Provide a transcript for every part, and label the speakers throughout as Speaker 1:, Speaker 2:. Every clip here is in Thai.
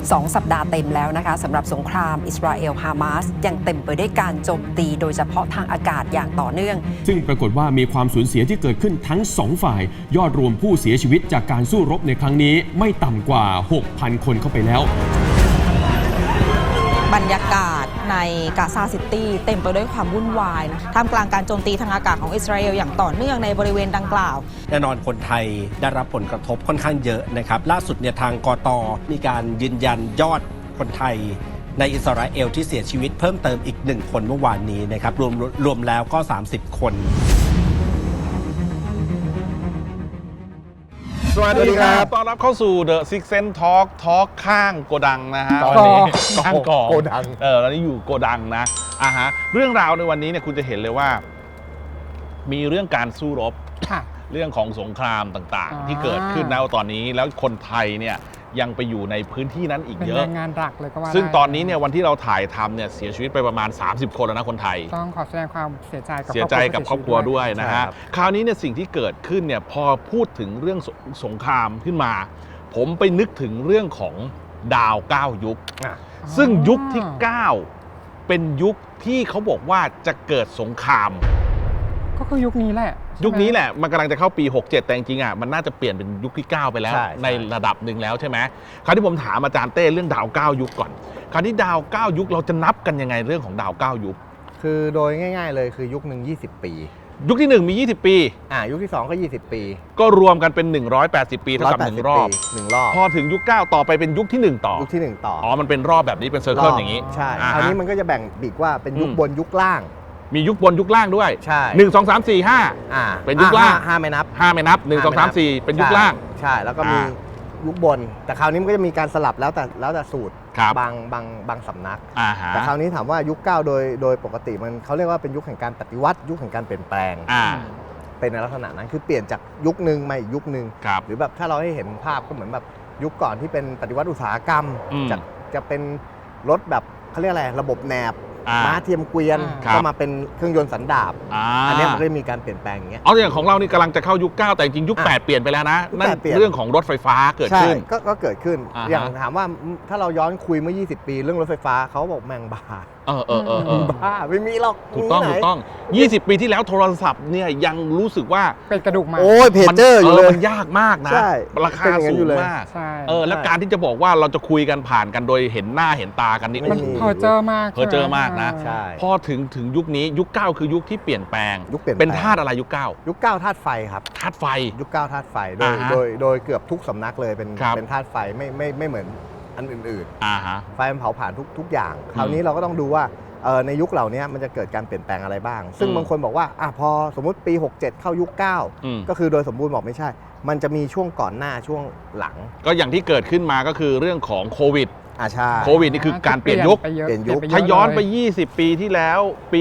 Speaker 1: 2 สัปดาห์เต็มแล้วนะคะสำหรับสงครามอิสราเอลฮามาสยังเต็มไปด้วยการโจมตีโดยเฉพาะทางอากาศอย่างต่อเนื่อง
Speaker 2: ซึ่งปรากฏว่ามีความสูญเสียที่เกิดขึ้นทั้ง2ฝ่ายยอดรวมผู้เสียชีวิตจากการสู้รบในครั้งนี้ไม่ต่ำกว่า 6,000 คนเข้าไปแล้ว
Speaker 3: บรรยากาศในกาซาซิตี้เต็มไปด้วยความวุ่นวายนะท่ามกลางการโจมตีทางอากาศของอิสราเอลอย่างต่อเนื่องในบริเวณดังกล่าว
Speaker 4: แน่นอนคนไทยได้รับผลกระทบค่อนข้างเยอะนะครับล่าสุดเนี่ยทางกต.มีการยืนยันยอดคนไทยในอิสราเอลที่เสียชีวิตเพิ่มเติมอีก1คนเมื่อวานนี้นะครับรวมแล้วก็30 คน
Speaker 5: สวัสดีครับต้อนรับเข้าสู่ The Six Sense Talk ข้างโกดังนะฮะวันนี้ข้างกองโกดังตอนนี้อยู่โกดังนะฮะเรื่องราวในวันนี้เนี่ยคุณจะเห็นเลยว่ามีเรื่องการสู้รบเรื่องของสงครามต่างๆที่เกิดขึ้นในตอนนี้แล้วคนไทยเนี่ยยังไปอยู่ในพื้นที่นั้นอีกเยอะ
Speaker 6: เป็นแรงงานหลักเลยก็ว่า
Speaker 5: ซึ่งตอนนี้เนี่ยวันที่เราถ่ายทำเนี่ยเสียชีวิตไปประมาณ30 คนแล้วนะคนไทย
Speaker 6: ต้องขอแสดงความเสียใจ
Speaker 5: กับครอบครัวด้วยนะฮะคราวนี้เนี่ยสิ่งที่เกิดขึ้นเนี่ยพอพูดถึงเรื่องสงครามขึ้นมาผมไปนึกถึงเรื่องของดาว9ยุคซึ่งยุคที่9เป็นยุคที่เขาบอกว่าจะเกิดสงคราม
Speaker 6: ก็คือยุคนี้แหละ
Speaker 5: มันกำลังจะเข้าปี67แต่จริงๆมันน่าจะเปลี่ยนเป็นยุคที่9ไปแล้วในระดับหนึ่งแล้วใช่ไหมคราวที่ผมถามอาจารย์เต้เรื่องดาว9ยุคก่อนคราวนี้ดาว9ยุคเราจะนับกันยังไงเรื่องของดาว9ยุค
Speaker 7: คือโดยง่ายๆเลยคือยุคหนึ่ง20 ปี
Speaker 5: ยุคที่1มี20 ปี
Speaker 7: ยุคที่2ก็20 ปี
Speaker 5: ก็รวมกันเป็น180 ปีเท่ากับ1 รอบพอถึงยุค9ต่อไปเป็นยุคที่1ต่อ
Speaker 7: ยุคที่1ต่อ
Speaker 5: มันเป็นรอบแบบนี้เป็นเซอร์เคิลอย่างนี้
Speaker 7: ใช่คราวนี้มันก็จะแบ่งอีกว่าเป็นยุคบนยุคล่าง
Speaker 5: มียุคบนยุคล่างด้วย
Speaker 7: ใช่
Speaker 5: 1 2 3 4 5เป็นยุคล่าง
Speaker 7: 5ไม่นับ
Speaker 5: 1 2 3 4เป็นยุคล่าง
Speaker 7: ใช่แล้วก็มียุคบนแต่คราวนี้มันก็จะมีการสลับแล้วแต่สูตรบางสำนักแต่คราวนี้ถามว่ายุค9โดยปกติมันเขาเรียกว่าเป็นยุคแห่งการปฏิวัติยุคแห่งการเปลี่ยนแปลงเป็นในลักษณะนั้นคือเปลี่ยนจากยุคนึงมาอีกยุคนึงหรือแบบถ้าเราให้เห็นภาพก็เหมือนแบบยุคก่อนที่เป็นปฏิวัติอุตสาหกรรมจะเป็นรถแบบเขาเรียกอะไรระบบแหนบม้าเทียมเกวียนก็มาเป็นเครื่องยนต์สันดาปอันนี้มันก็มีการเปลี่ยนแปลงอย่างเงี้ย
Speaker 5: อย่างของเรานี่กำลังจะเข้ายุค9แต่จริงยุค8เปลี่ยนไปแล้วนะนั่นเรื่องของรถไฟฟ้าเกิดขึ้น
Speaker 7: ก็เกิดขึ้นอย่างถามว่าถ้าเราย้อนคุยเมื่อ20 ปีเรื่องรถไฟฟ้าเขาบอกแมงบ้าบ้าไม่มีหรอก
Speaker 5: ถูกต้อง20 ปีที่แล้วโทรศัพท์เนี่ยยังรู้สึกว่า
Speaker 6: เป็นกระดูกมา
Speaker 7: โอ้ยเพจเจอร์อยู่เลย
Speaker 5: มันยากมากนะราคาสูงมากแล้วการที่จะบอกว่าเราจะคุยกันผ่านกันโดยเห็นหน้าเห็นตากันนี่
Speaker 6: มันเพอเจอมาก
Speaker 5: นะพอถึงยุคนี้ยุค9คือยุคที่เปลี่ยนแปลงเป็นธาตุอะไรยุค9
Speaker 7: ยุค9ธาตุไฟครับ
Speaker 5: ธาตุไฟ
Speaker 7: ยุค9ธาตุไฟโดยเกือบทุกสำนักเลยเป็นธาตุไฟไม่เหมือนอันอื่นๆไฟมันเผาผ่านทุกอย่างคราวนี้เราก็ต้องดูว่าในยุคเหล่านี้มันจะเกิดการเปลี่ยนแปลงอะไรบ้างซึ่งบางคนบอกว่าพอสมมุติปี67เข้ายุค9ก็คือโดยสมบูรณ์บอกไม่ใช่มันจะมีช่วงก่อนหน้าช่วงหลัง
Speaker 5: ก็อย่างที่เกิดขึ้นมาก็คือเรื่องของโควิด
Speaker 7: ใช่
Speaker 5: โควิดนี่คือการเปลี่ยนยุคถ้าย้อนไป20 ปีที่แล้วปี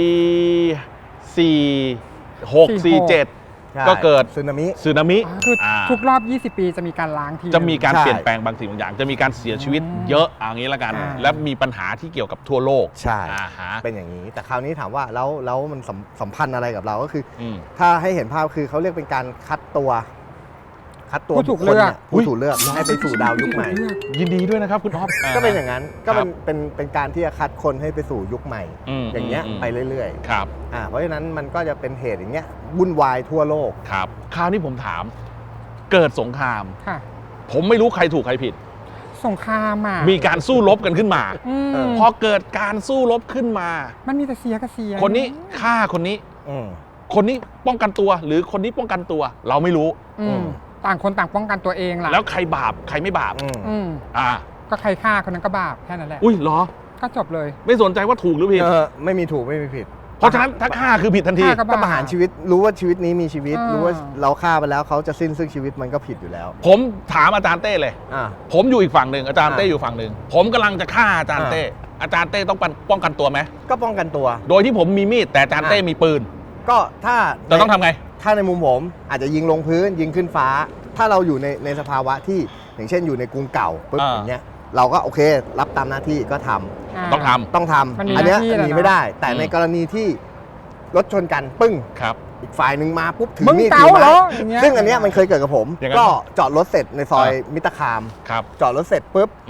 Speaker 5: 46 47ก็เกิดสึนามิ
Speaker 6: คือทุกรอบ20 ปีจะมีการล้างที
Speaker 5: จะมีการเปลี่ยนแปลงบางสิ่งบางอย่างจะมีการเสียชีวิตเยอะอย่างนี้ละกันและมีปัญหาที่เกี่ยวกับทั่วโลก
Speaker 7: ใช่เป็นอย่างนี้แต่คราวนี้ถามว่าแล้วมันสัมพันธ์อะไรกับเราก็คือถ้าให้เห็นภาพคือเขาเรียกเป็นการคัดตัว
Speaker 6: ผู้ถูกเลือก
Speaker 7: ให้ไปสู่ดาวยุคใหม่
Speaker 5: ยินดีด้วยนะครับคุณอ๊อฟ
Speaker 7: ก็เป็นอย่างนั้นก็เป็นการที่จะคัดคนให้ไปสู่ยุคใหม่อย่างเงี้ยไปเรื่อย
Speaker 5: ๆครับ
Speaker 7: เพราะฉะนั้นมันก็จะเป็นเหตุอย่างเงี้ยวุ่นวายทั่วโลก
Speaker 5: ครับคราวนี้ผมถามเกิดสงครามผมไม่รู้ใครถูกใครผิด
Speaker 6: สงคราม
Speaker 5: มีการสู้รบกันขึ้นมาพอเกิดการสู้รบขึ้นมา
Speaker 6: มันมีแต่เสียกับเสีย
Speaker 5: คนนี้ฆ่าคนนี้คนนี้ป้องกันตัวหรือคนนี้ป้องกันตัวเราไม่รู้
Speaker 6: ต่างคนต่างป้องกันตัวเองล่ะ
Speaker 5: แล้วใครบาปใครไม่บาป
Speaker 6: ก็ใครฆ่าคนนั้นก็บาปแค่นั้นแหละ
Speaker 5: เหรอ
Speaker 6: ก็จบเลย
Speaker 5: ไม่สนใจว่าถูกหรือผิด
Speaker 7: ไม่มีถูกไม่มีผิด
Speaker 5: เพราะฉะนั้นถ้าฆ่าคือผิดทันที
Speaker 7: ก็ประหารชีวิตรู้ว่าชีวิตนี้มีชีวิตรู้ว่าเราฆ่าไปแล้วเขาจะสิ้นซึ่งชีวิตมันก็ผิดอยู่แล้ว
Speaker 5: ผมถามอาจารย์เต้เลยผมอยู่อีกฝั่งหนึ่งอาจารย์เต้อยู่ฝั่งหนึ่งผมกำลังจะฆ่าอาจารย์เต้ต้องป้องกันตัวไหม
Speaker 7: ก็ป้องกันตัว
Speaker 5: โดยที่ผมมีมีดแต่อาจารย์เต้มีปืน
Speaker 7: ก็ถ้า
Speaker 5: เราต้องทำไง
Speaker 7: ถ้าในมุมผมอาจจะยิงลงพื้นยิงขึ้นฟ้าถ้าเราอยู่ในสภาวะที่อย่างเช่นอยู่ในกรุงเก่าปุ๊บอย่างเงี้ยเราก็โอเครับตามหน้าที่ก็ทำ
Speaker 5: ต้องท
Speaker 7: ำอันนี้หนีไม่ได้แต่ในกรณีที่รถชนกันปึ้ง
Speaker 5: ครับ
Speaker 7: อีกฝ่ายหนึ่งมาปุ๊บถือมีดถือไม้ซึ่งอันนี้มันเคยเกิดกับผมก็จอดรถเสร็จในซอยมิตรคามจอดรถเสร็จปุ๊บ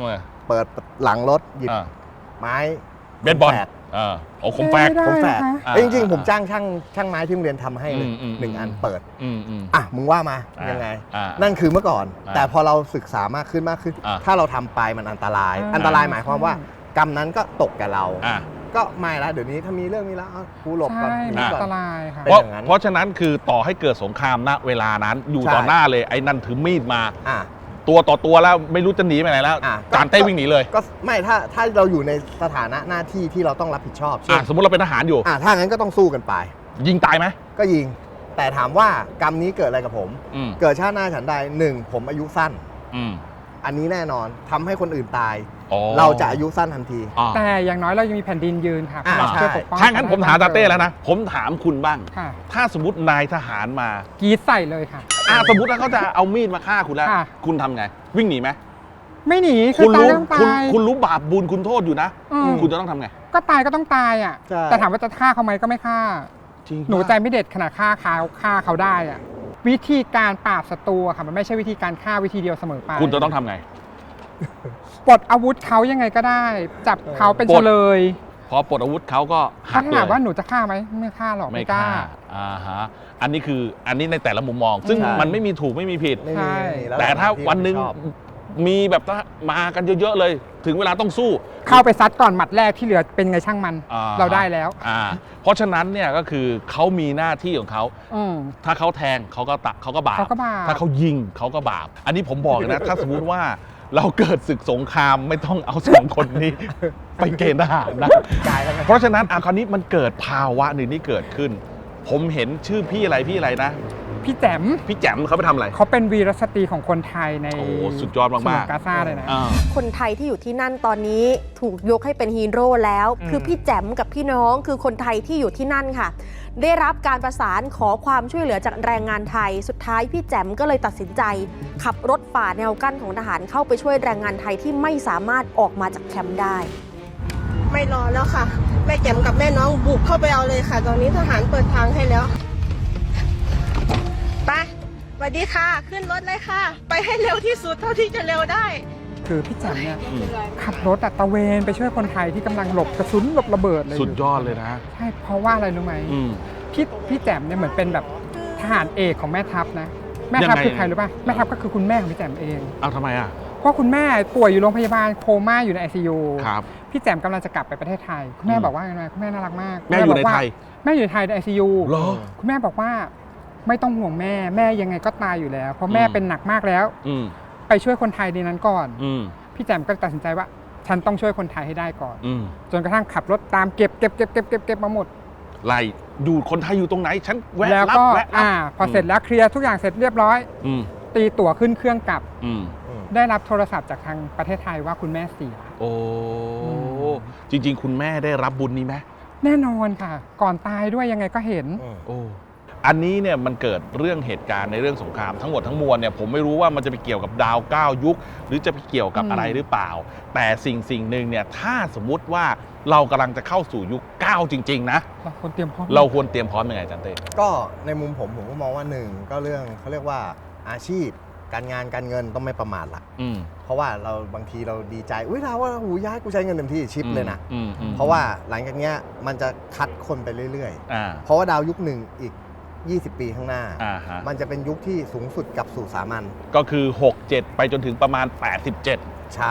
Speaker 7: เปิดหลังรถหยิบ
Speaker 5: อ่า
Speaker 7: ไม้
Speaker 5: เบสบอล
Speaker 7: แฝด
Speaker 5: โอ้คมแฝก
Speaker 6: ได้
Speaker 7: ผมแฝด
Speaker 6: นะคะ
Speaker 5: อ่า
Speaker 7: เอ้ยจริงๆผมจ้างช่างไม้ที่โรงเรียนทำให้เลย
Speaker 5: อืม
Speaker 7: หนึ่งอันเปิด
Speaker 5: อืม
Speaker 7: อ่ะมึงว่ามา
Speaker 5: อ่ายั
Speaker 7: ยังไง
Speaker 5: อ่า
Speaker 7: นั่นคือเมื่อก่อน
Speaker 5: อ่า
Speaker 7: แต่พอเราศึกษามากขึ้น
Speaker 5: อ่า
Speaker 7: ถ้าเราทำไปมันอันตราย
Speaker 6: อ่า
Speaker 7: อันตรายหมายความว่ากรรมนั้นก็ตกแก่เรา
Speaker 5: อ่า
Speaker 7: ก็ไม่ละเดี๋ยวนี้ถ้ามีเรื่องนี้แล้วเอากูหลบก่อน
Speaker 6: ใช่
Speaker 7: หนี
Speaker 6: มัน
Speaker 7: ก่
Speaker 6: อั
Speaker 7: อน
Speaker 6: นตรายค่ะ
Speaker 7: เป็น
Speaker 5: เพราะ
Speaker 7: อย่างนั้น
Speaker 5: เพราะฉะนั้นคือต่อให้เกิดสงครามณเวลานั้นอยู่
Speaker 7: ใช่
Speaker 5: ต่อหน้าเลยไอ้นั่นถือมีดมา
Speaker 7: อ่ะ
Speaker 5: ตัวต่อตัวแล้วไม่รู้จะหนีไปไหนแล้ว
Speaker 7: อ่ะ
Speaker 5: จานเต้วิ่งหนีเลย
Speaker 7: ก็ไม่ถ้าเราอยู่ในสถานะหน้าที่ที่เราต้องรับผิดชอบเช่น
Speaker 5: สมมติเราเป็นทหารอยู่
Speaker 7: ถ้างั้นก็ต้องสู้กันไป
Speaker 5: ยิงตายไหม
Speaker 7: ก็ยิง แต่ถามว่ากรรมนี้เกิดอะไรกับผม
Speaker 5: อืม
Speaker 7: เกิดชาติหน้าฉันใดหนึ่งผมอายุสั้น
Speaker 5: อืม
Speaker 7: อันนี้แน่นอนทำให้คนอื่นตาย
Speaker 5: อ๋อ
Speaker 7: เราจะอายุสั้นทันที
Speaker 5: อ่า
Speaker 6: แต่อย่างน้อยเรายังมีแผ่นดินยืนค่ะ
Speaker 7: อ่า
Speaker 6: เราช่วย
Speaker 7: ใช่
Speaker 6: ปกป้อง
Speaker 5: ถ้างั้นผมถามจานเต้แล้วนะ ผมถามคุณบ้าง
Speaker 6: ค่ะ
Speaker 5: ถ้าสมมตินายทหารมา
Speaker 6: กรีดใส่เลยค่ะ
Speaker 5: สมมติว่าเขาจะเอามีดมาฆ่าคุณแล้ว
Speaker 6: ค่ะ
Speaker 5: คุณทำไง วิ่งหนีไหม
Speaker 6: ไม่หนีคื
Speaker 5: คุ
Speaker 6: อ
Speaker 5: ณ
Speaker 6: ตาย
Speaker 5: รู้
Speaker 6: ก็ต้อง
Speaker 5: คุณ
Speaker 6: ตาย
Speaker 5: คุณรู้บาปบุญคุณโทษอยู่นะ
Speaker 6: อืม
Speaker 5: คุณจะต้องทำไง
Speaker 6: ก็ตายก็ต้องตายอ่ะ
Speaker 7: ใช่
Speaker 6: แต่ถามว่าจะฆ่าเขาไหมก็ไม่ฆ่า
Speaker 5: จริง
Speaker 6: หนูใจไม่เด็ดขนาดฆ่าเขาได้อ่ะ วิธีการปราบศัตรูอะค่ะมันไม่ใช่วิธีการฆ่าวิธีเดียวเสมอไป
Speaker 5: คุณจะต้องทำไง
Speaker 6: ปลดอาวุธเขายังไงก็ได้ จับเขาเป็น
Speaker 5: ปล
Speaker 6: เฉ
Speaker 5: ด
Speaker 6: ลย
Speaker 5: พอปลดอาวุธเขาก็หั
Speaker 6: ถ้าก
Speaker 5: เล
Speaker 6: ถาม
Speaker 5: ย
Speaker 6: ว่าหนูจะฆ่าไหมไม่ฆ่าหรอก
Speaker 5: ไม่
Speaker 6: ไม่ก
Speaker 5: ฆ่า
Speaker 6: ล้า
Speaker 5: ฮะอันนี้คืออันนี้ในแต่ละมุมมอง ซึ่ง
Speaker 7: ใช่
Speaker 5: มันไม่มีถูกไม่มีผิด
Speaker 7: ไม่
Speaker 6: ใช่
Speaker 7: มีล้ว
Speaker 5: แต่ถ้าวันหนึ่ง
Speaker 7: ชอบ
Speaker 5: มีแบบว่ามากันเยอะๆเลย ถึงเวลาต้องสู้
Speaker 6: เข้าไปซัดก่อนหมัดแรกที่เหลือเป็นไงช่างมัน
Speaker 5: อ่า
Speaker 6: เราได้แล้ว
Speaker 5: เพราะฉะนั้นเนี่ยก็คือเขามีหน้าที่ของเขา
Speaker 6: อืม
Speaker 5: ถ้าเขาแทงเขาก็บาป
Speaker 6: เขาก็บาป
Speaker 5: ถ้าเขายิงเขาก็บาป อันนี้ผมบอกเลยนะ ถ้าสมมุติว่าเราเกิดศึกสงครามไม่ต้องเอาสองคนนี้ ไปเกณฑ์ทหารนะ
Speaker 7: กายแล้วไง
Speaker 5: เพราะฉะนั้นคราวนี้มันเกิดภาวะหนึ่งที่เกิดขึ้น ผมเห็นชื่อพี่อะไรนะ
Speaker 6: พี่แจ๋ม
Speaker 5: พี่แจ๋มเขาไปทำอะไร
Speaker 6: เขาเป็นวีรสตรีของคนไทยใน
Speaker 5: โอ้สุดยอดมากๆ
Speaker 6: ฉนวนกาซาเลยนะ
Speaker 5: อ่า
Speaker 8: คนไทยที่อยู่ที่นั่นตอนนี้ถูกยกให้เป็นฮีโร่แล้ว คือพี่แจ๋มกับพี่น้องคือคนไทยที่อยู่ที่นั่นค่ะ ได้รับการประสานขอความช่วยเหลือจากแรงงานไทย สุดท้ายพี่แจ๋มก็เลยตัดสินใจ ขับรถฝ่าแนวกั้นของทหารเข้าไปช่วยแรงงานไทยที่ไม่สามารถออกมาจากแคมป์ได้
Speaker 9: ไม่รอแล้วค่ะ แม่แก้มกับแม่น้องบุกเข้าไปเอาเลยค่ะ ตอนนี้ทหารเปิดทางให้แล้ว ไปสวัสดีค่ะ ขึ้นรถเลยค่ะ ไปให้เร็วที่สุดเท่าที่จะเร็วได้
Speaker 6: คือพี่แจ๋มเนี่ยขับรถตะเวนไปช่วยคนไทยที่กำลังหลบกระสุนหลบระเบิดเลย
Speaker 5: สุดยอดเลยนะ
Speaker 6: ใช่เพราะว่าอะไรรู้ไหม
Speaker 5: อืม
Speaker 6: พี่แจ๋มเนี่ยเหมือนเป็นแบบทหารเอกของแม่ทัพนะแม่ทัพ
Speaker 5: ยังไง
Speaker 6: คือใครรู้ป่ะแม่ทัพก็คือคุณแม่ของพี่แจ๋มเอง
Speaker 5: เอาทำไมอ่ะ
Speaker 6: เพราะคุณแม่ป่วยอยู่โรงพยาบาลโคม่าอยู่ใน ICU
Speaker 5: ครับ
Speaker 6: พี่แจ๋มกำลังจะกลับไปประเทศไทยคุณแม่บอกว่าไงคุณแม่น่ารักมาก
Speaker 5: แม่อยู่ใน
Speaker 6: บกว่า
Speaker 5: ไทย
Speaker 6: แม่อยู่ในไทยใน ICU
Speaker 5: เหรอ
Speaker 6: คุณแม่บอกว่าไม่ต้องห่วงแม่ยังไงก็ตายอยู่แล้ว เพราะแม่
Speaker 5: อืม
Speaker 6: เป็นหนักมากแล้ว
Speaker 5: อืม
Speaker 6: ไปช่วยคนไทยในนั้นก่อน
Speaker 5: อืม
Speaker 6: พี่แจ๋มก็ตัดสินใจว่าฉันต้องช่วยคนไทยให้ได้ก่อน
Speaker 5: อืม
Speaker 6: จนกระทั่งขับรถตามเก็บมาหมด
Speaker 5: ไล่ดูคนไทยอยู่ตรงไหน ฉันแวะ
Speaker 6: แล้ว
Speaker 5: รับ
Speaker 6: ก็
Speaker 5: แวะรับ
Speaker 6: พอเสร็จแล้วเคลียร์ทุกอย่างเสร็จเรียบร้อย
Speaker 5: อืม
Speaker 6: ตีตั๋วขึ้นเครื่องกลับ
Speaker 5: อืม
Speaker 6: ได้รับโทรศัพท์จากทางประเทศไทยว่าคุณแม่เสีย
Speaker 5: โอ้
Speaker 6: อืม
Speaker 5: จริง ๆ คุณแม่ได้รับบุญนี้ไหม
Speaker 6: แน่นอนค่ะ ก่อนตายด้วยยังไงก็เห็น
Speaker 5: โอ้อันนี้เนี่ยมันเกิดเรื่องเหตุการณ์ในเรื่องสงครามทั้งหมดทั้งมวลเนี่ยผมไม่รู้ว่ามันจะไปเกี่ยวกับดาว9ยุค หรือจะไปเกี่ยวกับอะไรหรือเปล่า แต่สิ่งหนึ่งเนี่ยถ้าสมมุติว่าเรากำลังจะเข้าสู่ยุค9จริงๆนะ
Speaker 6: เราควรเตรียมพร้อม
Speaker 5: เราควรเตรียมพร้อมยังไงอาจันเต้
Speaker 7: ก็ในมุมผมก็มองว่าหนึ่งก็เรื่องเขาเรียกว่าอาชีพ การงานการเงินต้องไม่ประมาทละ
Speaker 5: อืม
Speaker 7: เพราะว่าเราบางทีเราดีใจอุ้ยเราว่าหูย้ายกูใช้เงินเต็มที่ชิปเลยนะ
Speaker 5: อืม
Speaker 7: เพราะว่าหลังจากเนี้ยมันจะคัดคนไปเรื่อย
Speaker 5: อ่า
Speaker 7: ๆ เพราะว่าดาวยุคหนึ่งอีก 20 ปีข้างหน้า
Speaker 5: อ่าฮะ
Speaker 7: มันจะเป็นยุคที่สูงสุดกับสู่สามัญ
Speaker 5: ก็คือ 67 ไปจนถึงประมาณ 87
Speaker 7: ใช่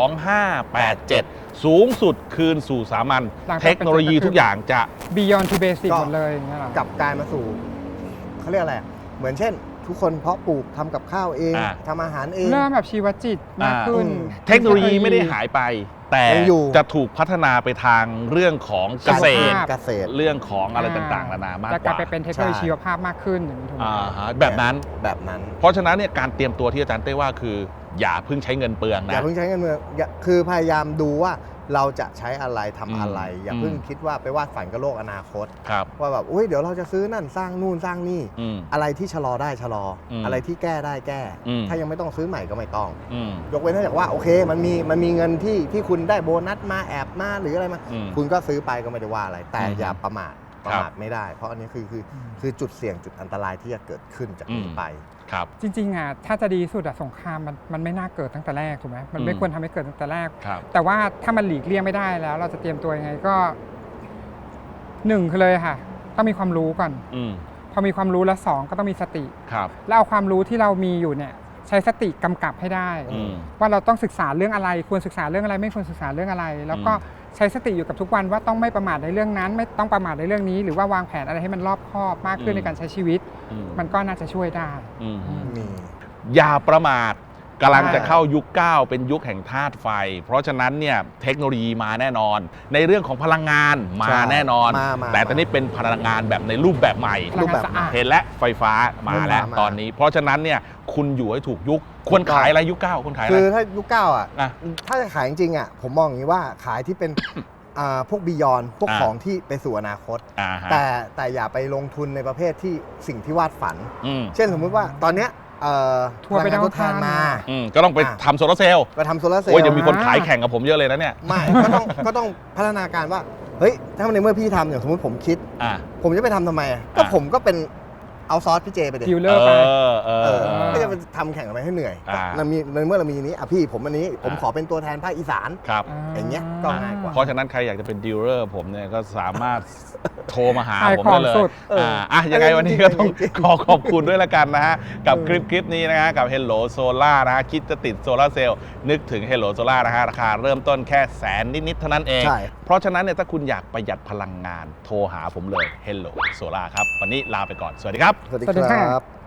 Speaker 5: 2587 สูงสุดคืนสู่สามัญ
Speaker 6: หลังจาก
Speaker 5: เทคโนโลยีทุกอย่างจะ
Speaker 6: Beyond to Basic หมดเลยอย่างเงี้ยเหรอก
Speaker 7: ลับกลายมาสู่เขาเรียกอะไรเหมือนเช่น ทุกคนเพาะปลูกทำกับข้าวเอง
Speaker 5: อ่า
Speaker 7: ทำอาหารเอง
Speaker 6: เริ่มแบบชีวจิตมากขึ้น
Speaker 5: เทคโนโลยีไม่ได้หายไป แต่
Speaker 7: ยังอยู่
Speaker 5: จะถูกพัฒนาไปทางเรื่องของเกษตร
Speaker 7: เกษตร
Speaker 5: เรื่องของอะไรต่างๆนานามาก
Speaker 6: จะ
Speaker 5: ก
Speaker 6: กลาย
Speaker 5: ว่า
Speaker 6: ไปเป็นเทคโนโลยี
Speaker 7: ใช่
Speaker 6: ชีวภาพมากขึ้นอย่างนี้ถูกไหม
Speaker 5: ฮะแบบนั้น
Speaker 7: แบบนั้น
Speaker 5: เพราะฉะนั้นเนี่ยการเตรียมตัวที่อาจารย์เต้ว่าคือ อย่าเพิ่งใช้เงินเปลือง
Speaker 7: อ
Speaker 5: นะ
Speaker 7: ย่าเพิ่งใช้เงินเมืองคือพยายามดูว่าเราจะใช้อะไรทำอะไร อย่า
Speaker 5: อืม
Speaker 7: เพิ่งคิดว่าไปวาดฝันกับโลกอนาคต
Speaker 5: ครับ
Speaker 7: ว่าแบบอุ้ยเดี๋ยวเราจะซื้อนั่นสร้างนู่นสร้างนี่
Speaker 5: อืม
Speaker 7: อะไรที่ชะลอได้ชะลออ
Speaker 5: ม
Speaker 7: อะไรที่แก้ได้แก้
Speaker 5: อืม
Speaker 7: ถ้ายังไม่ต้องซื้อใหม่ก็ไม่ต้อง
Speaker 5: อืม
Speaker 7: ยกเว้นถ้าจากว่าโอเคมันมีเงินที่คุณได้โบนัสมาแอบมาหรืออะไรมา
Speaker 5: อืม
Speaker 7: คุณก็ซื้อไปก็ไม่ได้ว่าอะไร แต่
Speaker 5: อืม
Speaker 7: อย่าประมาทประมาทไม่ได้ เพราะอันนี้คือจุดเสี่ยงจุดอันตรายที่จะเกิดขึ้นจากนี้ไป
Speaker 5: ครับ
Speaker 6: จริงๆถ้าจะดีสุดสงครามมันไม่น่าเกิดตั้งแต่แรกถูกไหมมันไม่ควรทำให้เกิดตั้งแต่แรกแต่ว่าถ้ามันหลีกเลี่ยงไม่ได้แล้วเราจะเตรียมตัวยังไงก็1คือเลยค่ะต้องมีความรู้ก่อนพอมีความรู้แล้ว2ก็ต้องมีสติแล้วเอาความรู้ที่เรามีอยู่เนี่ยใช้สติกำกับให้ได้ว่าเราต้องศึกษาเรื่องอะไรควรศึกษาเรื่องอะไรไม่ควรศึกษาเรื่องอะไรแล้วก็ใช้สติอยู่กับทุกวันว่าต้องไม่ประมาทในเรื่องนั้นไม่ต้องประมาทในเรื่องนี้หรือว่าวางแผนอะไรให้มันรอบคอบมากขึ้นในการใช้ชีวิตมันก็น่าจะช่วยได้
Speaker 5: อย่าประมาทกำลังจะเข้ายุค 9 เป็นยุคแห่งธาตุไฟเพราะฉะนั้นเนี่ยเทคโนโลยีมาแน่นอนในเรื่องของพลังงานมาแน่นอนแต่ตอนนี้เป็นพลังงานแบบในรูปแบบใหม่เห็นและไฟฟ้ามาแล้วตอนนี้เพราะฉะนั้นเนี่ยคุณอยู่ให้ถูกยุคควรขายอะไรยุค 9คนขายอะไร
Speaker 7: คือถ้ายุค 9อ่ะถ้าจะขายจริงๆอ่ะผมมองอย่างนี้ว่าขายที่เป็นพวกบียอนพวกของที่ไปสู่อนาคตแต่อย่าไปลงทุนในประเภทที่สิ่งที่วาดฝันเช่นสมมุติว่าตอนเนี้ย
Speaker 6: ทัวร์ไปดาวอังคาร
Speaker 7: มา
Speaker 5: ก็ต้องไปทำโซลาร์เซลล์
Speaker 7: ไปทำโซลาร์เซลล์
Speaker 5: โอ้ยเดี๋ยวมีคนขายแข่งกับผมเยอะเลยนะเนี่ย
Speaker 7: ไม่ก็ต้องพัฒนาการว่าเฮ้ยถ้าในเมื่อพี่ทำอย่างสมมติผมคิดผมจะไปทำไมก็ผมก็เป็นเอาซอสพี่เจไปเด็ด
Speaker 6: ดิวเลอร์ไป
Speaker 7: ก็จะไปทำแข่งกันไปให้เหนื่อยเมื่อเรามีนี้พี่ผมอันนี้ผมขอเป็นตัวแทนภาคอีสานอย่างเงี้ยก็ง่ายกว่า
Speaker 5: เพราะฉะนั้นใครอยากจะเป็นดีลเลอร์ผมเนี่ยก็สามารถโทรมาหาผมได้เลยยังไงวันนี้ก็ต้องขอบคุณด้วยละกันนะฮะกับคลิปนี้นะฮะกับ Hello Solar นะฮะคิดจะติดโซลาร์เซลล์นึกถึง Hello Solar นะฮะราคาเริ่มต้นแค่แสนนิดๆเท่านั้นเองเพราะฉะนั้นเนี่ยถ้าคุณอยากประหยัดพลังงานโทรหาผมเลย Hello Solar ครับวันนี้ลาไปก่อนสวัสดีครับ
Speaker 7: สวัสดีครับ